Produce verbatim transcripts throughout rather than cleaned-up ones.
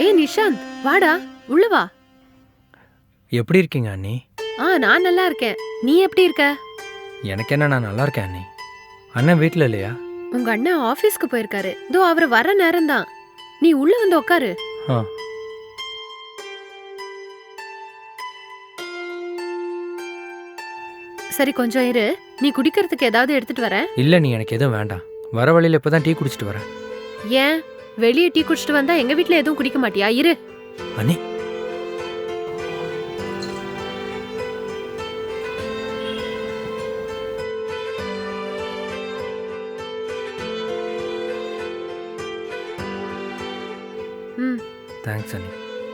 டேய் நிஷாந்த், வாடா, உள்ள வா. எப்படி இருக்கீங்க அண்ணி? ஆ, நான் நல்லா இருக்கேன். நீ எப்படி இருக்க? எனக்கு என்ன, நான் நல்லா இருக்கேன் அண்ணி. அண்ணன் வீட்டில் இல்லையா? உங்க அண்ணன் ஆபீஸ்க்கு போயிருக்காரு. இதோ அவர் வர நேரம் தான். நீ உள்ள வந்து உட்காரு. ஆ. சரி, கொஞ்சம் இரு. நீ குடிக்கிறதுக்கு ஏதாவது எடுத்துட்டு வர? இல்லை நீ, எனக்கு எதுவும் வேண்டாம். வர வழியில் இப்போ தான் டீ குடிச்சிட்டு வரேன். ஏன் வெளியே டீ குடிச்சிட்டு வந்தா எங்க வீட்ல எதுவும் குடிக்க மாட்டியா? இரு. அண்ணி, ம். தேங்க்ஸ் அண்ணி.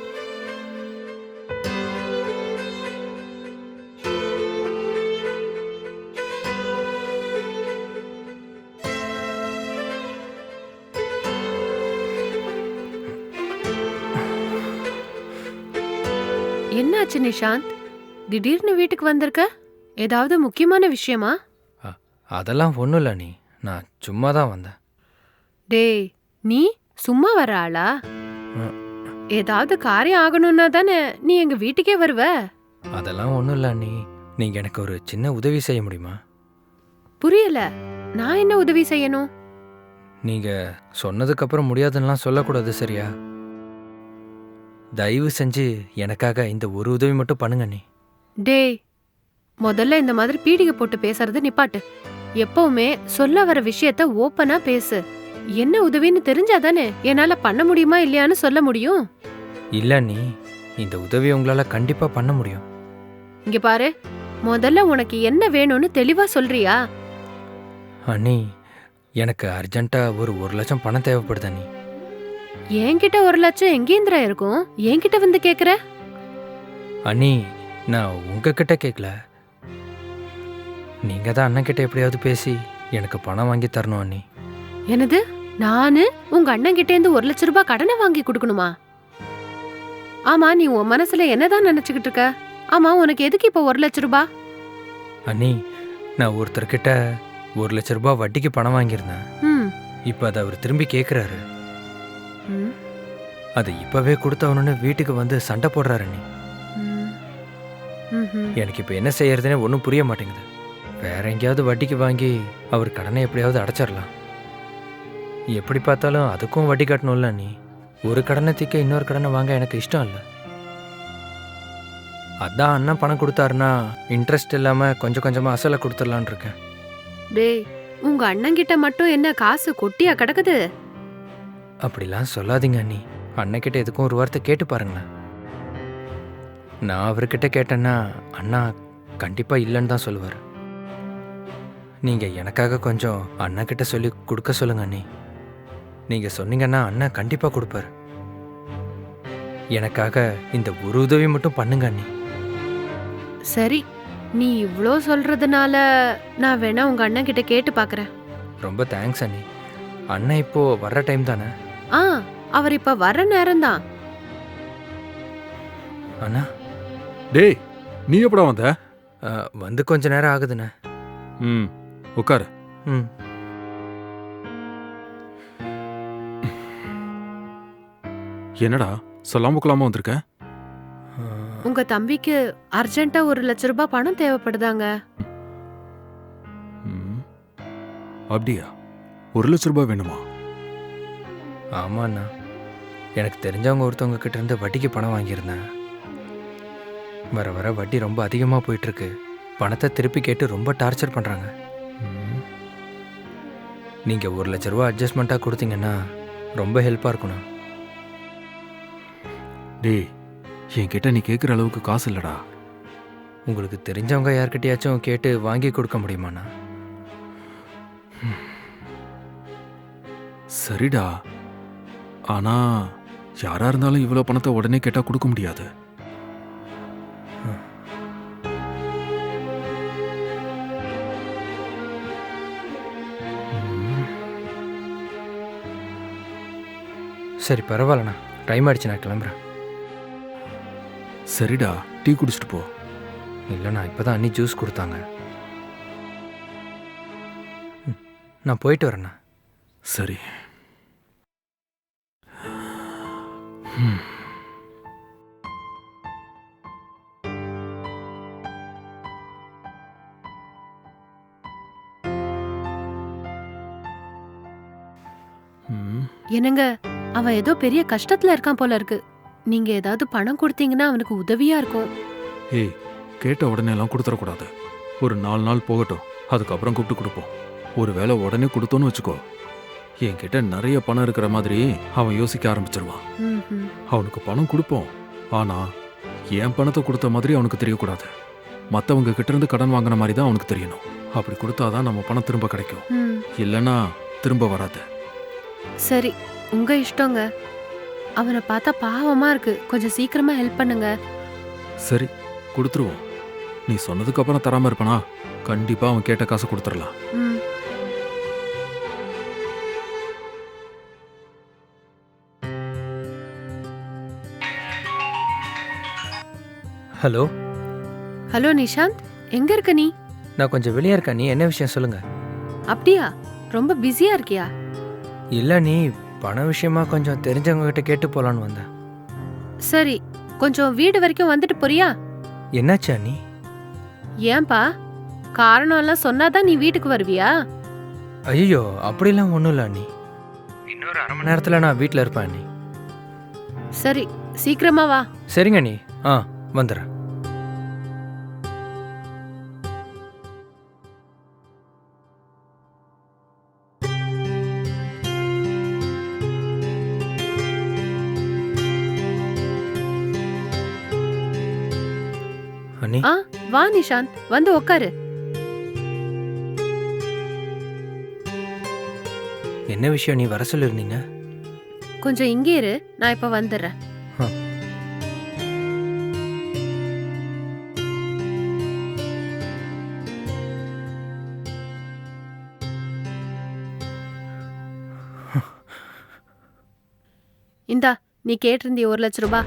என்னாச்சு நிஷாந்த்? திடீர்னு வீட்டுக்கு வந்திருக்க? ஏதாவது முக்கியமான விஷயமா? அ, அதெல்லாம் ஒன்றும் இல்லை அண்ணி, நான் சும்மா தான் வந்தேன். டேய், நீ சும்மா வர ஆளா? ம். ஏதாவது காரியம் ஆகணும்னா தானே நீ எங்க வீட்டுக்கே வருவ. அதெல்லாம் ஒன்றும் இல்லை அண்ணி, நீங்கள் எனக்கு ஒரு சின்ன உதவி செய்ய முடியுமா? புரியல. நான் என்ன உதவி செய்யணும்? நீங்கள் சொன்னதுக்கப்புறம் முடியாதுன்னெலாம் சொல்லக்கூடாது, சரியா? தயவு செஞ்சு எனக்காக இந்த ஒரு உதவி மட்டும் பண்ணுங்க அண்ணி. டேய், முதல்ல இந்த மாதிரி பீடிகை போட்டு பேசுறது நிப்பாட்டு. எப்பவுமே சொல்ல வர விஷயத்த ஓப்பனா பேசு. என்ன உதவின்னு தெரிஞ்சாதானே என்னால பண்ண முடியுமா இல்லையான்னு சொல்ல முடியும். இல்லை அண்ணி, இந்த உதவி உங்களால் கண்டிப்பாக பண்ண முடியும். இங்க பாரு, முதல்ல உனக்கு என்ன வேணும்னு தெளிவா சொல்றியா? அண்ணி, எனக்கு அர்ஜென்ட்டாக ஒரு ஒரு லட்சம் பணம் தேவைப்படுது அண்ணி. என்கிட்ட ஒரு லட்சம் எங்கேந்திரா இருக்கும்? என்கிட்ட வந்து கேக்குற? அண்ணி, நான் உங்ககிட்ட கேட்கல. நீங்கள் தான் அண்ணன் கிட்ட எப்படியாவது பேசி எனக்கு பணம் வாங்கி தரணும் அண்ணி. என்னது? நானு உங்க அண்ணன் கிட்ட இருந்து ஒரு லட்சம் ரூபாய் கடனை வாங்கி கொடுக்கணுமா? ஆமா, நீ உன் மனசுல என்னதான் நினைச்சுக்கிட்டு இருக்க? ஆமா, உனக்கு எதுக்கு இப்ப ஒரு லட்சம் ரூபாய்? அண்ணி, நான் ஒருத்தர்கிட்ட ஒரு லட்ச ரூபாய் வட்டிக்கு பணம் வாங்கியிருந்தேன். ம். இப்போ அதை அவர் திரும்பி கேட்குறாரு. ம். அது இப்போவே கொடுத்தவனு வீட்டுக்கு வந்து சண்டை போடுறாரு அண்ணி. ம். ம்ஹும். எனக்கு இப்போ என்ன செய்யறதுனே ஒன்றும் புரிய மாட்டேங்குது. வேற எங்கேயாவது வட்டிக்கு வாங்கி அவர் கடனை எப்படியாவது அடைச்சிடலாம். எப்படி பார்த்தாலும் அதுக்கும் வட்டி கட்டணும்ல அண்ணி. ஒரு கடனை தீக்க இன்னொரு கடனை வாங்க எனக்கு இஷ்டம் இல்லை. அதான் அண்ணன் பணம் கொடுத்தாருன்னா இன்ட்ரெஸ்ட் இல்லாமல் கொஞ்சம் கொஞ்சமாக அசலை கொடுத்துடலான் இருக்கேன். டேய், உங்க அண்ணன் கிட்ட மட்டும் என்ன காசு கொட்டியா கிடக்குது? அப்படிலாம் சொல்லாதீங்க அண்ணி. அண்ணன்கிட்ட எதுக்கும் ஒரு வார்த்தை கேட்டு பாருங்களேன். நான் அவர்கிட்ட கேட்டேன்னா அண்ணா கண்டிப்பாக இல்லைன்னு தான் சொல்லுவார். நீங்கள் எனக்காக கொஞ்சம் அண்ணன்கிட்ட சொல்லி கொடுக்க சொல்லுங்க அண்ணி. நீங்கள் சொன்னீங்கன்னா அண்ணன் கண்டிப்பாக கொடுப்பார். எனக்காக இந்த ஒரு உதவி மட்டும் பண்ணுங்க அண்ணி. சரி, நீ இவ்ளோ சொல்றதுனால நான் வேணா உங்க அண்ணன் கிட்ட கேட்டு பாக்குறேன். ரொம்ப தேங்க்ஸ் அண்ணி. அண்ணன் இப்போ வர்ற டைம் தானே? ஆ, அவர் இப்ப வர்ற நேரம் தான். அண்ணா, டேய், நீ எப்படா வந்த? அ, வந்து கொஞ்ச நேரம் ஆகுதுண்ணே. ம், உட்காரு. ம். என்னடா சொல்லாம கொள்ளாம வந்திருக்க? அ, உங்க தம்பிக்கு அர்ஜென்ட்டா ஒரு லட்ச ரூபாய் பணம் தேவைப்படுதாங்க. ம், அப்படியா? ஒரு லட்ச ரூபாய் வேணுமா? ஆமாண்ணா, எனக்கு தெரிஞ்சவங்க ஒருத்தவங்க கிட்ட இருந்து வட்டிக்கு பணம் வாங்கியிருந்தேன். வர வர வட்டி ரொம்ப அதிகமாக போயிட்டுருக்கு. பணத்தை திருப்பி கேட்டு ரொம்ப டார்ச்சர் பண்ணுறாங்க. நீங்கள் ஒரு லட்ச ரூபா அட்ஜஸ்ட்மெண்ட்டாக கொடுத்தீங்கன்னா ரொம்ப ஹெல்ப்பாக இருக்குண்ணா. டேய், என்கிட்ட நீ கேட்குற அளவுக்கு காசு இல்லடா. உங்களுக்கு தெரிஞ்சவங்க யார்கிட்டயாச்சும் கேட்டு வாங்கி கொடுக்க முடியுமாண்ணா? சரிடா, ஆனா யாரா இருந்தாலும் இவ்வளோ பணத்தை உடனே கேட்டா கொடுக்க முடியாது. சரி, பரவாயில்லண்ணா. டைம் ஆயிடுச்சு, நான் கிளம்புறேன். சரிடா, டீ குடிச்சிட்டு போ. இல்லைண்ணா, இப்போ தான் அண்ணி ஜூஸ் கொடுத்தாங்க. ம், நான் போயிட்டு வரேண்ணா. சரி. ம். ம். என்னங்க, அவன் ஏதோ பெரிய கஷ்டத்துல இருக்கான் போல இருக்கு. நீங்க ஏதாவது பணம் கொடுத்தீங்கன்னா அவனுக்கு உதவியா இருக்கும். ஏய், கேட்ட உடனே எல்லாம் கொடுத்துடக்கூடாது. ஒரு நாலு நாள் போகட்டும், அதுக்கப்புறம் கூப்பிட்டு கொடுப்போம். ஒருவேளை உடனே கொடுத்தோன்னு வச்சுக்கோ, என்கிட்ட நிறைய பணம் இருக்கிற மாதிரி அவன் யோசிக்க ஆரம்பிச்சிருவான். ம்ஹும். அவனுக்கு பணம் கொடுப்போம், ஆனா என் பணத்தை கொடுத்த மாதிரி அவனுக்கு தெரியக்கூடாது. மற்றவங்க கிட்ட இருந்து கடன் வாங்கின மாதிரி தான் அவனுக்கு தெரியணும். அப்படி கொடுத்தாதான் நம்ம பணம் திரும்ப கிடைக்கும். ம். இல்லைன்னா திரும்ப வராது. சரி, உங்க இஷ்டங்க. அவனை பார்த்தா பாவமா இருக்கு. கொஞ்சம் சீக்கிரமா ஹெல்ப் பண்ணுங்க. சரி, கொடுத்துருவோம். நீ சொன்னதுக்கு அப்புறம் தராம இருப்பனா? கண்டிப்பா அவன் கேட்ட காசு கொடுத்துடலாம். ம். ஹலோ, ஹலோ நிஷாந்த், எங்க இருக்க நீ? நான் கொஞ்சம் வெளியே இருக்கேன். நீ என்ன விஷயம் சொல்லுங்க. அப்படியா? ரொம்ப பிஸியா இருக்கியா? இல்லை நீ பண விஷயமா கொஞ்சம் தெரிஞ்சவங்க கிட்ட கேட்டு போலான்னு வந்தேன். சரி, கொஞ்சம் வீடு வரைக்கும் வந்துட்டு போறியா? என்னாச்சா நீ? ஏன்பா, காரணம் எல்லாம் சொன்னாதான் நீ வீட்டுக்கு வருவியா? ஐயோ, அப்படிலாம் ஒன்றும் இல்லை நீ. இன்னொரு அரை மணி நேரத்தில் நான் வீட்டில் இருப்பேன் நீ. சரி, சீக்கிரமா வா. சரிங்க நீ. ஆ, வந்துடுறேன். அண்ணி, ஆ, வா நிஷாந்த், வந்து உக்காரு. என்ன விஷயம்? நீ வர சொல்லியிருந்தீங்க. கொஞ்சம் இங்கே இரு, நான் இப்ப வந்துடுறேன். ஆ. இந்தா, நீ கேட்டிருந்திய ஒரு லட்ச ரூபாய்.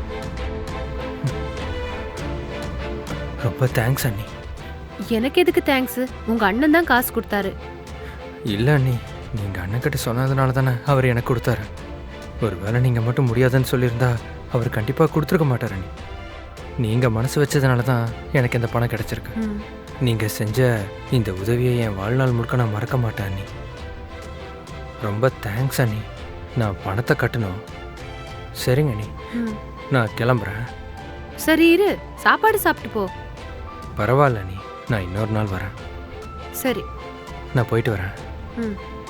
ரொம்ப தேங்க்ஸ் அண்ணி. எனக்கு எதுக்கு தேங்க்ஸ்? உங்க அண்ணன் தான் காசு கொடுத்தாரு. இல்லை அண்ணி, நீங்கள் அண்ணன்கிட்ட சொன்னதுனால தானே அவர் எனக்கு கொடுத்தாரு. ஒருவேளை நீங்கள் மட்டும் முடியாதுன்னு சொல்லியிருந்தா அவர் கண்டிப்பாக கொடுத்துருக்க மாட்டார் அண்ணி. நீங்கள் மனசு வச்சதுனால தான் எனக்கு இந்த பணம் கிடச்சிருக்கு. ம். நீங்கள் செஞ்ச இந்த உதவியை என் வாழ்நாள் முழுக்க நான் மறக்க மாட்டேன் அண்ணி. ரொம்ப தேங்க்ஸ் அண்ணி. நான் பணத்தை கட்டணும். சரிங்க அண்ணி, ம். நான் கிளம்புறேன். சரி இரு, சாப்பாடு சாப்பிட்டு போ. பரவாயில்ல அண்ணி, நான் இன்னொரு நாள் வரேன். சரி. நான் போயிட்டு வரேன். ம்.